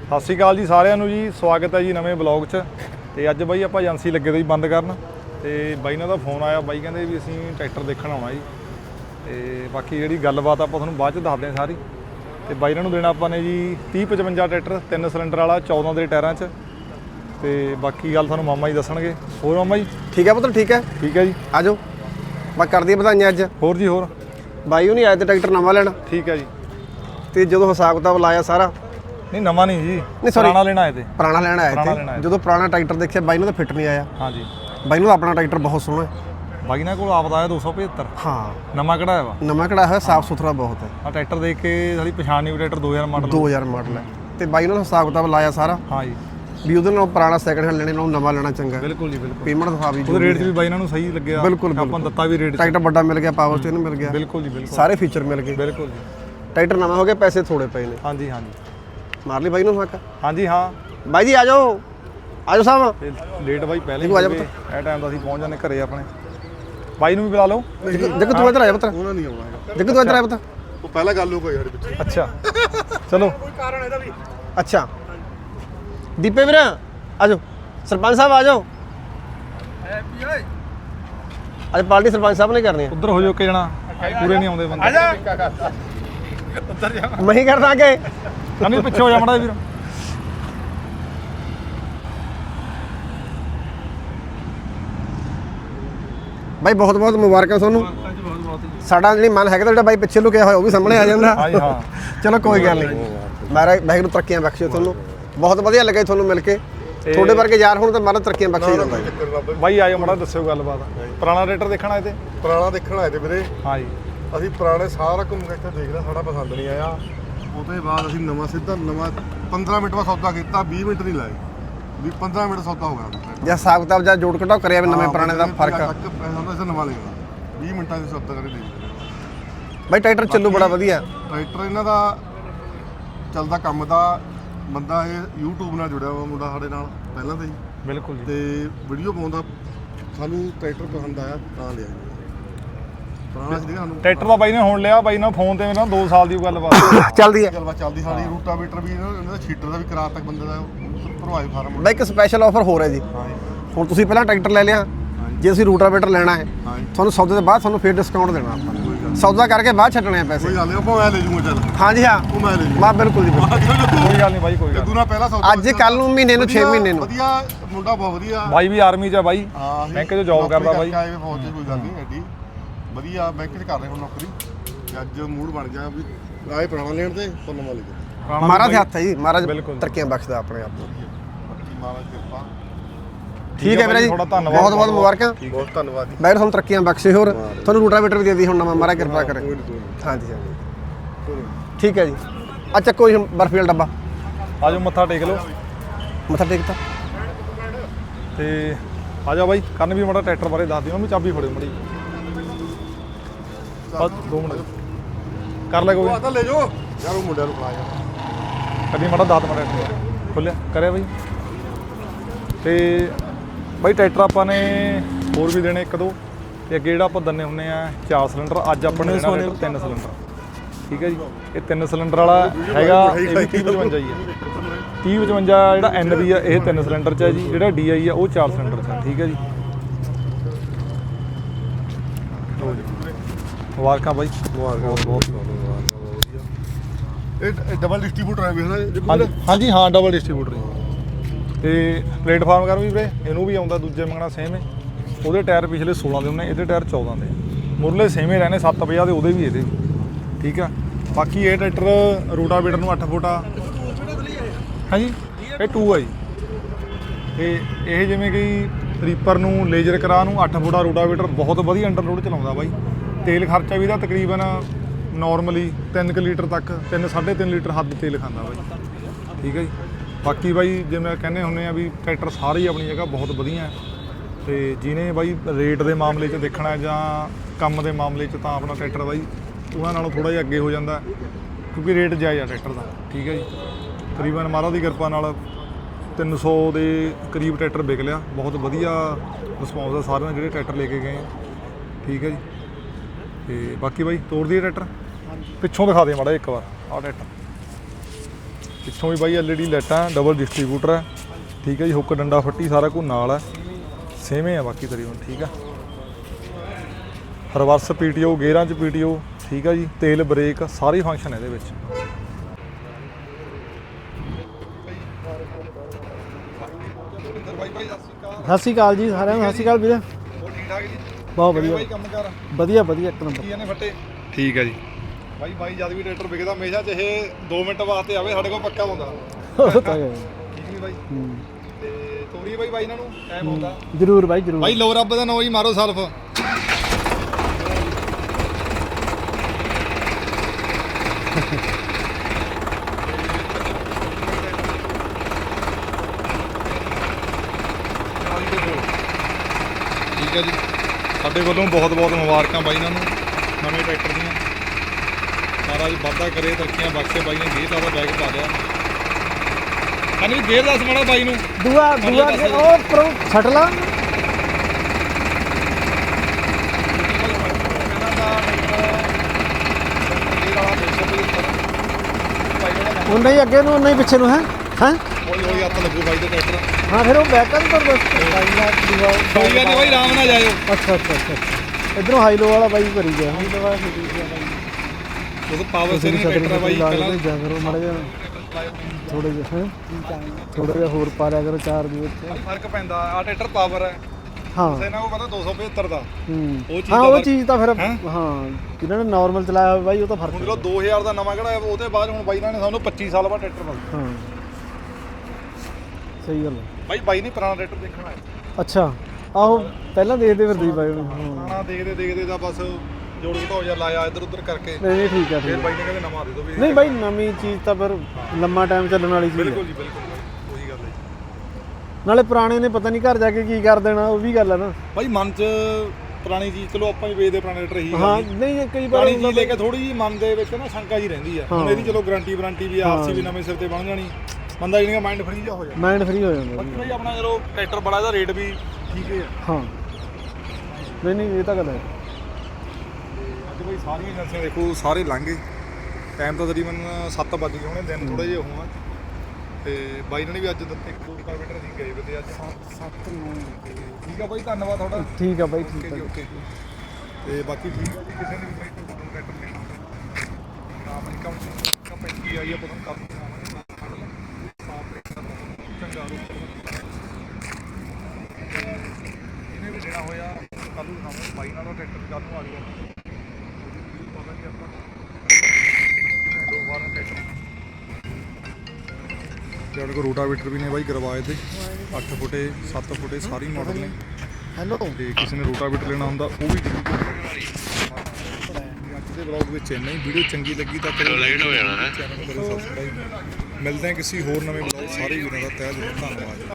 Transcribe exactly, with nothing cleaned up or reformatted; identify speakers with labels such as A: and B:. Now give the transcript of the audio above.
A: ਸਤਿ ਸ਼੍ਰੀ ਅਕਾਲ ਜੀ ਸਾਰਿਆਂ ਨੂੰ ਜੀ। ਸਵਾਗਤ ਹੈ ਜੀ ਨਵੇਂ ਬਲੌਗ 'ਚ। ਤੇ ਅੱਜ ਬਾਈ ਆਪਾਂ ਏਜੰਸੀ ਲੱਗੇ ਤੇ ਜੀ ਬੰਦ ਕਰਨ, ਤੇ ਬਾਈ ਨਾਲ ਦਾ ਫੋਨ ਆਇਆ। ਬਾਈ ਕਹਿੰਦੇ ਵੀ ਅਸੀਂ ਟਰੈਕਟਰ ਦੇਖਣ ਆਉਣਾ ਜੀ, ਤੇ ਬਾਕੀ ਜਿਹੜੀ ਗੱਲਬਾਤ ਆਪਾਂ ਤੁਹਾਨੂੰ ਬਾਅਦ 'ਚ ਦੱਸਦੇ ਹਾਂ ਸਾਰੀ। ਤੇ ਬਾਈ ਇਹਨਾਂ ਨੂੰ ਦੇਣਾ ਆਪਾਂ ਨੇ ਜੀ ਤੀਹ ਪਚਵੰਜਾ ਟਰੈਕਟਰ, ਤਿੰਨ ਸਿਲੰਡਰ ਵਾਲਾ, ਚੌਦਾਂ ਦੇ ਟਾਇਰਾਂ 'ਚ। ਤੇ ਬਾਕੀ ਗੱਲ ਤੁਹਾਨੂੰ ਮਾਮਾ ਜੀ ਦੱਸਣਗੇ। ਹੋਰ ਮਾਮਾ ਜੀ?
B: ਠੀਕ ਹੈ ਪੁੱਤਰ, ਠੀਕ ਹੈ
A: ਠੀਕ ਹੈ ਜੀ।
B: ਆ ਜਾਓ, ਮੈਂ ਕਰਦੀ ਵਧਾਈਆਂ ਅੱਜ।
A: ਹੋਰ ਜੀ ਹੋਰ?
B: ਬਾਈ ਉਹ ਨਹੀਂ ਆਏ ਤੇ ਟਰੈਕਟਰ ਨਵਾਂ ਲੈਣਾ।
A: ਠੀਕ ਹੈ ਜੀ।
B: ਤੇ ਜਦੋਂ ਹਿਸਾਬ ਕਿਤਾਬ ਲਾਇਆ ਸਾਰਾ,
A: ਨਹੀਂ ਨਵਾਂ ਨਹੀਂ ਜੀ,
B: ਨਹੀਂ ਸੌਰੀ,
A: ਪੁਰਾਣਾ ਲੈਣਾ ਆਏ ਤੇ।
B: ਪੁਰਾਣਾ ਲੈਣਾ ਆਏ ਤੇ ਜਦੋਂ ਪੁਰਾਣਾ ਟਰੈਕਟਰ ਦੇਖਿਆ ਬਾਈ ਨੂੰ ਤਾਂ ਫਿੱਟ ਨਹੀਂ ਆਇਆ।
A: ਹਾਂਜੀ,
B: ਬਾਈ ਨੂੰ ਆਪਣਾ ਟਰੈਕਟਰ ਬਹੁਤ ਸੋਹਣਾ ਹੈ।
A: ਬਾਈ ਨਾਲ ਕੋਲ ਆਪਦਾ ਆਇਆ ਦੋ ਸੌ ਪਝੱਤਰ।
B: ਹਾਂ,
A: ਨਵਾਂ ਕਢਾਇਆ ਵਾ,
B: ਨਵਾਂ ਕਢਾਇਆ ਹੋਇਆ, ਸਾਫ ਸੁਥਰਾ ਬਹੁਤ ਹੈ।
A: ਆ ਟਰੈਕਟਰ ਦੇਖ ਕੇ ਸਾਡੀ ਪਛਾਣ ਨਹੀਂ, ਟਰੈਕਟਰ ਦੋ ਹਜ਼ਾਰ ਮਾਡਲ
B: ਦੋ ਹਜ਼ਾਰ ਮਾਡਲ ਹੈ। ਤੇ ਬਾਈ ਨੂੰ ਹਿਸਾਬ ਕਿਤਾਬ ਲਾਇਆ ਸਾਰਾ।
A: ਹਾਂ ਜੀ,
B: ਵੀ ਉਹਦੇ ਨਾਲ ਪੁਰਾਣਾ ਸੈਕਿੰਡ ਹੈਂਡ ਲੈਣੇ ਨਾਲੋਂ ਨਵਾਂ ਲੈਣਾ ਚੰਗਾ।
A: ਬਿਲਕੁਲ ਜੀ ਬਿਲਕੁਲ।
B: ਪੇਮੈਂਟ ਦਿਖਾ ਵੀ
A: ਉਹਦੇ ਰੇਟ 'ਚ ਵੀ ਬਾਈ ਇਹਨਾਂ ਨੂੰ ਸਹੀ ਲੱਗਿਆ।
B: ਬਿਲਕੁਲ
A: ਆਪਾਂ ਦਿੱਤਾ ਵੀ ਰੇਟ।
B: ਟਰੈਕਟਰ ਵੱਡਾ ਮਿਲ ਗਿਆ, ਪਾਵਰ ਸਟੀਅਰਿੰਗ ਮਿਲ ਗਿਆ।
A: ਬਿਲਕੁਲ ਜੀ ਬਿਲਕੁਲ,
B: ਸਾਰੇ ਫੀਚਰ ਮਿਲ ਗਏ।
A: ਬਿਲਕੁਲ ਜੀ।
B: ਟਰੈਕਟਰ ਨਵਾਂ ਹੋ ਗਿਆ, ਪੈਸੇ ਥੋੜੇ ਪਏ ਨੇ।
A: ਹਾਂਜੀ ਹਾਂਜੀ,
B: ਮਾਰ ਲਈ ਬਾਈ ਨੂੰ ਹੱਕ।
A: ਹਾਂਜੀ ਹਾਂ
B: ਬਾਈ ਜੀ ਆ ਜਾਓ, ਆ ਜਾਓ ਸਾਹਿਬ।
A: ਲੇਟ ਬਾਈ ਪਹਿਲੇ ਹੀ ਇਹ ਟਾਈਮ ਦਾ ਅਸੀਂ ਪਹੁੰਚ ਜਾਂਦੇ ਘਰੇ ਆਪਣੇ। ਬਾਈ ਨੂੰ ਵੀ ਬੁਲਾ ਲਓ।
B: ਦੇਖੋ ਤੂੰ ਇੱਧਰ ਆ ਜਾ ਪੁੱਤਰ।
C: ਉਹਨਾਂ ਨਹੀਂ ਆਉਣਾ ਹੈਗਾ।
B: ਦੇਖੋ ਤੂੰ ਇੱਧਰ ਆ ਪੁੱਤਰ।
C: ਉਹ ਪਹਿਲਾਂ ਗੱਲ ਹੋ ਗਈ ਸਾਡੇ ਪਿੱਛੇ।
A: ਅੱਛਾ ਚਲੋ।
C: ਕੋਈ ਕਾਰਨ ਇਹਦਾ ਵੀ।
B: ਅੱਛਾ ਦੀਪੇ ਵੀਰ ਆ ਜਾਓ। ਸਰਪੰਚ ਸਾਹਿਬ ਆ ਜਾਓ। ਅੱਜ ਪਾਰਟੀ ਸਰਪੰਚ ਸਾਹਿਬ ਨੇ ਕਰਨੀ ਹੈ।
A: ਉੱਧਰ ਹੋ ਜਾਓ ਕਿ ਜਣਾ ਪੂਰੇ ਨਹੀਂ ਆਉਂਦੇ ਬੰਦੇ।
C: ਆ ਜਾ ਉੱਧਰ ਜਾ।
B: ਮੈਂ ਹੀ ਕਰਦਾ ਕਿ
A: ਨਹੀਂ ਪਿੱਛੇ ਹੋ ਜਾ ਮੜਾ ਵੀਰ।
B: ਬਾਈ ਬਹੁਤ ਬਹੁਤ ਮੁਬਾਰਕਾਂ ਤੁਹਾਨੂੰ। ਸਾਡਾ ਜਿਹੜੀ ਮਨ ਹੈਗਾ ਤਾਂ ਜਿਹੜਾ ਬਾਈ ਪਿੱਛੇ ਲੁਕਿਆ ਹੋਇਆ ਉਹ ਵੀ ਸਾਹਮਣੇ ਆ ਜਾਂਦਾ।
A: ਹਾਂਜੀ ਹਾਂ
B: ਚਲੋ ਕੋਈ ਗੱਲ ਨਹੀਂ। ਮਹਾਰਾਜ ਵਾਹਿਗੁਰੂ ਤਰੱਕੀਆਂ ਬਖਸ਼ੇ ਤੁਹਾਨੂੰ। ਬਹੁਤ ਵਧੀਆ ਲੱਗਾ ਤੁਹਾਨੂੰ ਮਿਲ ਕੇ। ਤੁਹਾਡੇ ਵਰਗੇ ਯਾਰ ਹੁਣ ਤਾਂ ਮਹਾਰਾਜ ਤਰੱਕੀਆਂ ਬਖਸ਼ੇ ਜਾਂਦਾ।
A: ਬਾਈ ਆਇਓ ਮੜਾ, ਦੱਸਿਓ ਗੱਲਬਾਤ। ਪੁਰਾਣਾ ਟਰੈਕਟਰ ਦੇਖਣਾ ਇਹਦੇ?
C: ਪੁਰਾਣਾ ਦੇਖਣ ਆਏ ਤੇ ਵੀਰੇ।
A: ਹਾਂ ਜੀ,
C: ਅਸੀਂ ਪੁਰਾਣੇ ਸਾਰਾ ਘੁੰਮ ਕੇ ਇੱਥੇ ਦੇਖ ਲਿਆ, ਸਾਡਾ ਪਸੰਦ ਨਹੀਂ ਆਇਆ। ਉਹਦੇ ਬਾਅਦ ਅਸੀਂ ਨਵਾਂ ਸਿੱਧਾ ਨਵਾਂ ਪੰਦਰਾਂ ਮਿੰਟ ਬਾਅਦ ਸੌਦਾ ਕੀਤਾ, ਵੀਹ ਮਿੰਟ ਨਹੀਂ ਲਾਏ, ਵੀ ਪੰਦਰਾਂ ਮਿੰਟ ਸੌਦਾ ਹੋ ਗਿਆ।
B: ਜਾਂ ਹਿਸਾਬ ਕਿਤਾਬ ਜਾਂ ਜੋੜ ਘਟਾਓ ਕਰਿਆ ਵੀ ਨਵੇਂ ਪੁਰਾਣੇ ਦਾ ਫਰਕ ਆ।
C: ਪੈਸਾ ਨਵਾਂ ਲੈਣਾ, ਵੀਹ ਮਿੰਟਾਂ ਦੀ ਸੌਦਾ ਕਰਕੇ ਦੇ ਦਿੰਦੇ।
B: ਬਾਈ ਟਰੈਕਟਰ ਚੱਲੂ ਬੜਾ ਵਧੀਆ।
C: ਟਰੈਕਟਰ ਇਹਨਾਂ ਦਾ ਚੱਲਦਾ ਕੰਮ ਦਾ ਬੰਦਾ। ਇਹ YouTube ਨਾਲ ਜੁੜਿਆ ਹੋਇਆ ਮੁੰਡਾ ਸਾਡੇ ਨਾਲ ਪਹਿਲਾਂ ਤੋਂ ਹੀ।
A: ਬਿਲਕੁਲ ਜੀ।
C: ਤੇ ਵੀਡੀਓ ਪਾਉਂਦਾ, ਸਾਨੂੰ ਟਰੈਕਟਰ ਪਸੰਦ ਆਇਆ ਤਾਂ ਲਿਆ ਜੀ। ਪੁਰਾਣਾ ਸੀਗਾ ਸਾਨੂੰ
A: ਟਰੈਕਟਰ ਦਾ ਬਾਈ ਨੇ ਹੁਣ ਲਿਆ। ਬਾਈ ਨਾਲ ਫੋਨ ਤੇ ਮੇਰੇ ਨਾਲ ਦੋ ਸਾਲ ਦੀ ਗੱਲਬਾਤ
B: ਚੱਲਦੀ ਹੈ।
C: ਗੱਲਬਾਤ ਚੱਲਦੀ ਸਾਡੀ। ਰੂਟਾਵੇਟਰ ਵੀ ਇਹਨਾਂ ਇਹਨਾਂ ਦਾ ਛੀਟਰ ਦਾ ਵੀ ਕਰਾ ਤੱਕ ਬੰਦੇ ਦਾ ਭਰਵਾਈ ਫਾਰਮ।
B: ਬਾਈ ਇੱਕ ਸਪੈਸ਼ਲ ਆਫਰ ਹੋ ਰਿਹਾ ਜੀ।
C: ਹਾਂ ਜੀ,
B: ਹੁਣ ਤੁਸੀਂ ਪਹਿਲਾਂ ਟਰੈਕਟਰ ਲੈ ਲਿਆ, ਜੇ ਤੁਸੀਂ ਰੂਟਾਵੇਟਰ ਲੈਣਾ ਹੈ
C: ਹਾਂ ਜੀ,
B: ਤੁਹਾਨੂੰ ਸੌਦੇ ਤੋਂ ਬਾਅਦ ਤੁਹਾਨੂੰ ਫੇਰ ਡਿਸਕਾਊਂਟ ਦੇਣਾ ਆਪਾਂ ਨੇ। ਸੌਦਾ ਕਰਕੇ ਬਾਅਦ ਛੱਡਣੇ ਆ ਪੈਸੇ।
C: ਕੋਈ ਗੱਲ ਨਹੀਂ, ਆਪਾਂ ਮੈਂ ਲੈ ਜੂਗਾ। ਚੱਲ
B: ਹਾਂਜੀ ਹਾਂ,
C: ਉਹ ਮੈਂ ਲੈ ਜੂਗਾ।
B: ਮੈਂ ਬਿਲਕੁਲ ਜੀ ਬਿਲਕੁਲ।
A: ਕੋਈ ਗੱਲ ਨਹੀਂ ਬਾਈ, ਕੋਈ ਗੱਲ
C: ਦੂਨਾ ਪਹਿਲਾ ਸੌਦਾ
B: ਅੱਜ ਕੱਲ ਨੂੰ ਮਹੀਨੇ ਨੂੰ ਛੇ ਮਹੀਨੇ ਨੂੰ।
C: ਵਧੀਆ ਮੁੰਡਾ, ਬਹੁਤ ਵਧੀਆ।
A: ਬਾਈ ਵੀ ਆਰਮੀ 'ਚ ਆ ਬਾਈ,
C: ਹਾਂ
A: ਬੈਂਕ 'ਚ ਜੌਬ ਕਰਦਾ ਬਾਈ।
C: ਆਏ ਫੌਜ 'ਚ, ਕੋਈ ਗੱਲ ਨਹੀਂ ਐਡੀ ਵਧੀਆ ਬੈਂਕ 'ਚ ਕਰ ਰਹੇ ਹੁਣ ਨੌਕਰੀ। ਤੇ ਅੱਜ ਮੂਡ ਬਣ ਗਿਆ ਵੀ ਆਏ ਪੁਰਾਣਾ ਲੈਣ ਤੇ ਤੋਂ ਨਵਾਂ ਲੈ ਕੇ।
B: ਮਹਾਰਾਜ ਦੇ ਹੱਥ ਹੈ ਜੀ, ਮਹਾਰਾਜ
A: ਬਿਲਕੁਲ।
B: ਤਰੱਕੀਆਂ ਬਖਸ਼ਦਾ ਆਪਣੇ ਆਪ ਨੂੰ।
C: ਮਹਾਰਾਜ ਕਿਰਪਾ।
B: ਠੀਕ ਹੈ ਵੀਰੇ ਜੀ, ਬਹੁਤ ਬਹੁਤ ਮੁਬਾਰਕਾਂ।
C: ਬਹੁਤ ਧੰਨਵਾਦ ਜੀ।
B: ਬਾਈ ਤੁਹਾਨੂੰ ਤਰੱਕੀਆਂ ਬਖਸ਼ੇ। ਹੋਰ ਤੁਹਾਨੂੰ ਰੂਟਾਵੇਟਰ ਵੀ ਦੇ ਦੀ ਹੁਣ ਨਵਾਂ, ਮਹਾਰਾਜ ਕਿਰਪਾ ਕਰੇ। ਹਾਂਜੀ ਹਾਂਜੀ ਠੀਕ ਹੈ ਜੀ। ਆ ਚੱਕੋ ਜੀ ਬਰਫੀ ਵਾਲਾ ਡੱਬਾ।
A: ਆ ਜਾਓ ਮੱਥਾ ਟੇਕ ਲਓ।
B: ਮੱਥਾ ਟੇਕਤਾ
A: ਤੇ ਆ ਜਾ ਬਾਈ। ਕਰਨ ਵੀ ਮਾੜਾ ਟਰੈਕਟਰ ਬਾਰੇ ਦੱਸ ਦਿਓ। ਉਹਨੂੰ ਚਾਬੀ ਫੜਿਓ ਮੜੀ। ਬਸ ਦੋ ਮਿੰਟ ਕਰ ਲੈ ਕੋਈ।
C: ਆ ਤਾਂ ਲੈ ਜਾਓ ਯਾਰ, ਉਹ ਮੁੰਡਿਆਂ ਨੂੰ ਫੜਾ ਯਾਰ।
A: ਕਦੀ ਮਾੜਾ ਦਾਤ ਮਾੜਾ ਟਰੈਕਟਰ ਖੋਲਿਆ ਕਰਿਆ ਬਾਈ। ਤੇ ਬਾਈ ਟਰੈਕਟਰ ਆਪਾਂ ਨੇ ਹੋਰ ਵੀ ਦੇਣੇ ਇੱਕ ਦੋ, ਤੇ ਅੱਗੇ ਜਿਹੜਾ ਆਪਾਂ ਦੰਨੇ ਹੁੰਨੇ ਆ ਚਾਰ ਸਿਲੰਡਰ, ਅੱਜ ਆਪਾਂ ਨੇ ਦੇਣਾ ਟਰੈਕਟਰ ਤਿੰਨ ਸਿਲੰਡਰ। ਠੀਕ ਹੈ ਜੀ। ਇਹ ਤਿੰਨ ਸਿਲੰਡਰ ਵਾਲਾ ਹੈਗਾ, ਇਹ ਵੀ ਤੀਹ ਪਚਵੰਜਾ ਹੀ ਹੈ। ਤੀਹ ਪਚਵੰਜਾ ਜਿਹੜਾ ਐਨ ਵੀ ਆ ਇਹ ਤਿੰਨ ਸਿਲੰਡਰ 'ਚ ਹੈ ਜੀ। ਜਿਹੜਾ ਡੀ ਆਈ ਆ ਉਹ ਚਾਰ ਸਿਲੰਡਰ 'ਚ ਹੈ। ਠੀਕ ਹੈ ਜੀ। ਮੁਬਾਰਕਾਂ ਬਾਈ, ਬਹੁਤ ਬਹੁਤ।
C: ਇਹ ਡਬਲ ਡਿਸਟ੍ਰੀਬਿਊਟਰ ਹੈ ਵੀ ਹੈ ਨਾ?
A: ਹਾਂਜੀ ਹਾਂਜੀ ਹਾਂ, ਡਬਲ ਡਿਸਟ੍ਰੀਬਿਊਟਰ ਜੀ। ਤੇ ਪਲੇਟਫਾਰਮ ਕਰ ਵੀ ਵੀਰੇ ਇਹਨੂੰ ਵੀ ਆਉਂਦਾ, ਦੂਜੇ ਮੰਗਣਾ ਸੇਮ ਹੈ। ਉਹਦੇ ਟਾਇਰ ਪਿਛਲੇ ਸੋਲਾਂ ਦੇ ਹੁੰਦੇ, ਇਹਦੇ ਟਾਇਰ ਚੌਦਾਂ ਦੇ। ਮੁਰਲੇ ਸੇਮ ਹੀ ਰਹਿਣੇ, ਸੱਤ ਪੰਜਾਹ ਦੇ ਉਹਦੇ ਵੀ ਇਹਦੇ ਵੀ। ਠੀਕ ਆ। ਬਾਕੀ ਇਹ ਟਰੈਕਟਰ ਰੂਟਾਵੇਟਰ ਨੂੰ ਅੱਠ ਫੁੱਟ ਆ। ਹਾਂਜੀ ਇਹ ਟੂ ਆ ਜੀ। ਤੇ ਇਹ ਜਿਵੇਂ ਕਿ ਰੀਪਰ ਨੂੰ, ਲੇਜ਼ਰ ਕਰਾ ਨੂੰ ਅੱਠ ਫੁੱਟਾ ਰੂਟਾਵੇਟਰ ਬਹੁਤ ਵਧੀਆ ਅੰਡਰ ਲੋਡ ਚਲਾਉਂਦਾ ਬਾਈ। ਤੇਲ ਖਰਚਾ ਵੀ ਇਹਦਾ ਤਕਰੀਬਨ ਨੋਰਮਲੀ ਤਿੰਨ ਕੁ ਲੀਟਰ ਤੱਕ, ਤਿੰਨ ਸਾਢੇ ਤਿੰਨ ਲੀਟਰ ਹੱਦ ਤੇਲ ਖਾਂਦਾ ਬਾਈ। ਠੀਕ ਹੈ ਜੀ। ਬਾਕੀ ਬਾਈ ਜਿਵੇਂ ਕਹਿੰਦੇ ਹੁੰਦੇ ਆ ਵੀ ਟਰੈਕਟਰ ਸਾਰੇ ਹੀ ਆਪਣੀ ਜਗ੍ਹਾ ਬਹੁਤ ਵਧੀਆ। ਤੇ ਜਿਹਨੇ ਬਾਈ ਰੇਟ ਦੇ ਮਾਮਲੇ 'ਚ ਦੇਖਣਾ ਜਾਂ ਕੰਮ ਦੇ ਮਾਮਲੇ 'ਚ, ਤਾਂ ਆਪਣਾ ਟਰੈਕਟਰ ਬਾਈ ਉਹਨਾਂ ਨਾਲੋਂ ਥੋੜ੍ਹਾ ਜਿਹਾ ਅੱਗੇ ਹੋ ਜਾਂਦਾ, ਕਿਉਂਕਿ ਰੇਟ ਜਾਇਜ਼ ਆ ਟਰੈਕਟਰ ਦਾ। ਠੀਕ ਹੈ ਜੀ। ਤਕਰੀਬਨ ਮਹਾਰਾਜ ਦੀ ਕਿਰਪਾ ਨਾਲ ਤਿੰਨ ਸੌ ਦੇ ਕਰੀਬ ਟਰੈਕਟਰ ਵਿਕ ਲਿਆ। ਬਹੁਤ ਵਧੀਆ ਰਿਸਪੌਂਸ ਆ ਸਾਰਿਆਂ ਜਿਹੜੇ ਟਰੈਕਟਰ ਲੈ ਕੇ ਗਏ ਆ। ਠੀਕ ਹੈ ਜੀ। ਤੇ ਬਾਕੀ ਬਾਈ ਤੋੜ ਦਈਏ ਟਰੈਕਟਰ, ਪਿੱਛੋਂ ਦਿਖਾ ਦੇ ਮਾੜਾ ਇੱਕ ਵਾਰ ਆਹ ਟਰੈਕਟਰ। ਪਿੱਛੋਂ ਵੀ ਬਾਈ ਐਲਈਡੀ ਲਾਈਟਾਂ, ਡਬਲ ਡਿਸਟ੍ਰੀਬਿਊਟਰ ਹੈ ਠੀਕ ਹੈ ਜੀ। ਹੁੱਕ ਡੰਡਾ ਫੱਟੀ ਸਾਰਾ ਕੁਝ ਨਾਲ ਹੈ, ਸੇਵੇਂ ਆ ਬਾਕੀ ਤਕਰੀਬਨ ਠੀਕ ਆ। ਰਿਵਰਸ ਪੀਟੀਓ, ਗੇਅਰਾਂ 'ਚ ਪੀਟੀਓ ਠੀਕ ਆ ਜੀ। ਤੇਲ ਬ੍ਰੇਕ ਸਾਰੇ ਫੰਕਸ਼ਨ ਇਹਦੇ ਵਿੱਚ।
D: ਸਤਿ ਸ਼੍ਰੀ ਅਕਾਲ ਜੀ ਸਾਰਿਆਂ ਨੂੰ। ਸਤਿ ਸ਼੍ਰੀ ਅਕਾਲ ਵੀਰੇ।
A: ਹੋਰ ਠੀਕ ਠਾਕ ਜੀ?
D: ਬਹੁਤ ਵਧੀਆ
A: ਬਾਈ ਕੰਮ ਕਰ
D: ਵਧੀਆ ਵਧੀਆ ਇੱਕ ਨੰਬਰ।
A: ਕੀ ਨੇ ਫੱਟੇ ਠੀਕ ਹੈ ਜੀ। ਬਾਈ ਬਾਈ ਜਦ ਵੀ ਟਰੈਕਟਰ ਵਿਕਦਾ ਹਮੇਸ਼ਾ ਚਾਹੇ ਦੋ ਮਿੰਟ ਵਾਸਤੇ ਆਵੇ ਸਾਡੇ ਕੋਲ ਪੱਕਾ ਹੁੰਦਾ
D: ਉਹ ਤਾਂ ਹੈ।
A: ਠੀਕ ਨਹੀਂ ਬਾਈ?
D: ਹੂੰ
A: ਤੇ ਤੋਰੀ ਬਾਈ ਬਾਈ ਇਹਨਾਂ ਨੂੰ ਟਾਈਮ ਹੁੰਦਾ
D: ਜਰੂਰ ਬਾਈ ਜਰੂਰ।
A: ਬਾਈ ਲੋ ਰੱਬ ਦਾ ਨਾਂ ਜੀ, ਮਾਰੋ ਸਲਫ। ਠੀਕ ਹੈ ਜੀ, ਸਾਡੇ ਵੱਲੋਂ ਬਹੁਤ ਬਹੁਤ ਮੁਬਾਰਕਾਂ ਬਾਈ ਇਹਨਾਂ ਨੂੰ ਨਵੇਂ ਟਰੈਕਟਰ ਦੀਆਂ। ਸਾਰਾ ਜੀ ਵਾਧਾ ਕਰੇ, ਤਰੱਕੀਆਂ ਬਖਸ਼ੇ। ਬਾਈ ਨੇ ਗੇਅਰ ਦਾ ਬੈਗ ਪਾ ਲਿਆ। ਹਾਂਜੀ ਗੇਅਰ ਦਾ ਸਮਾਣਾ ਬਾਈ ਨੂੰ
D: ਦੂਆ ਦੂਆ ਉਹ ਪਰੋ ਛੱਡ ਲਾ। ਉਹਨਾਂ ਹੀ ਅੱਗੇ ਨੂੰ ਉਹਨਾਂ ਹੀ ਪਿੱਛੇ ਨੂੰ ਹੈ ਹੈ
A: ਹੌਲੀ ਹੌਲੀ ਹੱਥ ਲੱਗੂ ਬਾਈ ਦੇ ਟਰੈਕਟਰ।
D: ਹਾਂ ਫਿਰ ਉਹ ਬੈਕ ਕਰ ਕਰ ਬਸ ਬਾਈ ਨਾਲ ਦੂਆ
A: ਕੋਈ ਗੱਲ ਨਹੀਂ ਬਾਈ, ਆਰਾਮ ਨਾਲ ਜਾਇਓ।
D: ਅੱਛਾ ਅੱਛਾ ਅੱਛਾ ਇਧਰੋਂ ਹਾਈ ਲੋ ਵਾਲਾ ਬਾਈ ਭਰੀ ਗਿਆ। ਹਾਈ ਲੋ ਵਾਲਾ ਛੱਡੀ ਗਿਆ ਬਾਈ।
A: ਉਹ ਪਾਵਰ ਸਟੀਅਰਿੰਗ ਟਰੈਕਟਰ ਆ ਬਾਈ। ਪਹਿਲਾਂ
D: ਜਾ ਕਰੋ ਮਾੜਾ ਜਿਹਾ ਥੋੜਾ ਜਿਹਾ ਹੈ ਥੋੜਾ ਜਿਹਾ ਹੋਰ ਪਾ ਲਿਆ ਕਰੋ ਚਾਰ ਦੇ ਵਿੱਚ।
A: ਫਰਕ ਪੈਂਦਾ। ਆ ਟਰੈਕਟਰ ਪਾਵਰ ਹੈ,
D: ਹਾਂ
A: ਇਹਨਾਂ ਕੋਲ ਪਤਾ ਦੋ ਸੌ ਪਝੱਤਰ ਦਾ।
D: ਹੂੰ
A: ਉਹ ਚੀਜ਼
D: ਹਾਂ
A: ਦਾ
D: ਉਹ
A: ਫਰਕ-
D: ਚੀਜ਼ ਤਾਂ ਫਿਰ
A: ਹੈਂ?
D: ਹਾਂ ਜਿਨ੍ਹਾਂ ਨੇ ਨਾਰਮਲ ਚਲਾਇਆ ਹੋਇਆ ਬਾਈ ਉਹ ਤਾਂ ਫਰਕ
A: ਹੁਣ ਜਦੋਂ ਦੋ ਹਜ਼ਾਰ ਦਾ ਨਵਾਂ ਕਿਹੜਾ ਉਹਦੇ ਬਾਅਦ ਹੁਣ ਬਾਈ ਨੇ ਸਾਨੂੰ ਪੱਚੀ ਸਾਲ ਬਾਅਦ ਟਰੈਕਟਰ ਮਿਲਦਾ।
D: ਹਾਂ ਸਹੀ ਗੱਲ ਹੈ
A: ਬਾਈ ਬਾਈ ਨਹੀਂ ਪੁਰਾਣਾ ਟਰੈਕਟਰ ਦੇਖਣਾ ਹੈ।
D: ਅੱਛਾ ਆਹੋ ਪਹਿਲਾਂ ਦੇਖਦੇ ਫਿਰਦੀ ਬਾਈ ਉਹਨੂੰ ਹਾਂ
A: ਪੁਰਾਣਾ ਦੇਖਦੇ ਦੇਖਦੇ ਤਾਂ ਬਸ ਜੋੜ ਘਟਾਓ ਜਾਂ ਲਾਇਆ ਇੱਧਰ ਉੱਧਰ ਕਰਕੇ
D: ਨਹੀਂ ਨਹੀਂ ਠੀਕ ਆ
A: ਫਿਰ
D: ਠੀਕ
A: ਬਾਈ ਨੇ ਕਹਿੰਦੇ ਨਵਾਂ ਦੇ ਦਿਓ ਵੀ।
D: ਨਹੀਂ ਬਾਈ ਨਵੀਂ ਚੀਜ਼ ਤਾਂ ਫਿਰ ਲੰਮਾ ਟਾਈਮ ਚੱਲਣ ਵਾਲੀ ਚੀਜ਼ ਹੈ।
A: ਬਿਲਕੁਲ ਜੀ ਬਿਲਕੁਲ ਬਾਈ, ਉਹੀ ਗੱਲ ਹੈ ਜੀ।
D: ਨਾਲੇ ਪੁਰਾਣੇ ਨੇ ਪਤਾ ਨਹੀਂ ਘਰ ਜਾ ਕੇ ਕੀ ਕਰ ਦੇਣਾ, ਉਹ ਵੀ ਗੱਲ ਹੈ ਨਾ।
A: ਬਾਈ ਮਨ 'ਚ ਪੁਰਾਣੀ ਚੀਜ਼ ਚਲੋ ਆਪਾਂ ਹੀ ਵੇਚਦੇ ਪੁਰਾਣੇ ਟਰੈਕਟਰ ਹੀ
D: ਹਾਂ ਨਹੀਂ ਕਈ ਵਾਰ
A: ਪੁਰਾਣੀ ਚੀਜ਼ ਲੈ ਕੇ ਥੋੜੀ ਜਿਹੀ ਮਨ ਦੇ ਵਿੱਚ ਨਾ ਸ਼ੰਕਾ ਜੀ ਰਹਿੰਦੀ ਆ। ਹੁਣ
D: ਹਾਂ।
A: ਇਹਦੀ ਚਲੋ ਗਾਰੰਟੀ ਵਾਰੰਟੀ ਵੀ ਆਰਸੀ ਵੀ ਨਵੇਂ ਸਿਰ ਤੇ ਬਣ ਜਾਣੀ, ਬੰਦਾ ਜਿਹੜੀਆਂ ਮਾਈਂਡ ਫਰੀ ਜਾ ਹੋ ਜਾਂਦਾ।
D: ਮਾਈਂਡ ਫ੍ਰੀ ਹੋ ਜਾਂਦਾ
A: ਬਾਕੀ ਬਾਈ ਆਪਣਾ ਚਲੋ ਟਰੈਕਟਰ ਬੜਾ, ਇਹਦਾ ਰੇਟ ਵੀ ਠੀਕ ਹੈ।
D: ਹਾਂ ਨਹੀਂ ਨਹੀਂ ਇਹ ਤਾਂ ਗੱਲ ਹੈ।
A: ਅੱਜ ਬਾਈ ਸਾਰੀਆਂ ਏਜੰਸੀਆਂ ਦੇਖੋ ਸਾਰੇ ਲੰਘੇ। ਟਾਈਮ ਤਾਂ ਤਕਰੀਬਨ ਸੱਤ ਵੱਜ ਗਏ ਹੋਣੇ, ਦਿਨ ਥੋੜੇ ਜਿਹੇ ਹੋਣਾ। ਤੇ ਬਾਈ ਨੇ ਵੀ ਅੱਜ ਦਿੱਤੇ ਇੱਕ ਦੋ ਕਿਲੋਮੀਟਰ ਅਸੀਂ ਗਏ ਬੰਦੇ ਅੱਜ ਸੱਤ ਨੂੰ। ਠੀਕ ਆ ਬਾਈ, ਧੰਨਵਾਦ ਤੁਹਾਡਾ।
D: ਠੀਕ ਆ ਬਾਈ ਠੀਕ
A: ਓਕੇ
D: ਆ
A: ਜੀ ਓਕੇ। ਤੇ ਬਾਕੀ ਠੀਕ ਆ ਜੀ, ਕਿਸੇ ਨੇ ਵੀ ਬਾਈ ਤੋਂ ਟਰੈਕਟਰ ਲੈਣਾ ਤਾਂ ਆਪਣੀ ਕੰਪਨੀ ਕੰਪਨੀ ਆਈ ਆ ਪਤਾ ਕਰ ਚੰਗਾ ਰੂਪ ਇਹਨੇ ਵੀ ਦੇਣਾ ਹੋਇਆ ਕੱਲ ਨੂੰ ਦਿਖਾਵਾਂਗੇ ਬਾਈ ਨਾਲ ਟਰੈਕਟਰ ਕੱਲ ਨੂੰ ਆ ਜਾਊਗਾ। ਪਤਾ ਨਹੀਂ ਆਪਾਂ ਦੋ ਵਾਰ ਟਰੈਕਟਰ ਸਾਡੇ ਕੋਲ ਰੋਟਾਵੇਟਰ ਵੀ ਨੇ ਬਾਈ ਕਰਵਾਏ ਤੇ ਅੱਠ ਫੁੱਟੇ ਸੱਤ ਫੁੱਟੇ ਸਾਰੀ ਮਾਡਲ ਨੇ।
D: ਹੈਲੋ
A: ਤੇ ਕਿਸੇ ਨੇ ਰੋਟਾਵੇਟਰ ਲੈਣਾ ਹੁੰਦਾ ਉਹ ਵੀ ਅੱਜ ਦੇ ਵਲੌਗ ਵਿੱਚ ਇੰਨਾ ਹੀ। ਵੀਡੀਓ ਚੰਗੀ ਲੱਗੀ ਤਾਂ ਚੈਨਲ ਨੂੰ ਕਰੋ ਸਬਸਕ੍ਰਾਈਬ। ਮਿਲਦੇ ਹਾਂ ਕਿਸੇ ਹੋਰ ਨਵੇਂ ਵਲੌਗ। ਸਾਰੇ ਵੀਰਾਂ ਦਾ ਤਹਿ ਦਿਲੋਂ ਧੰਨਵਾਦ।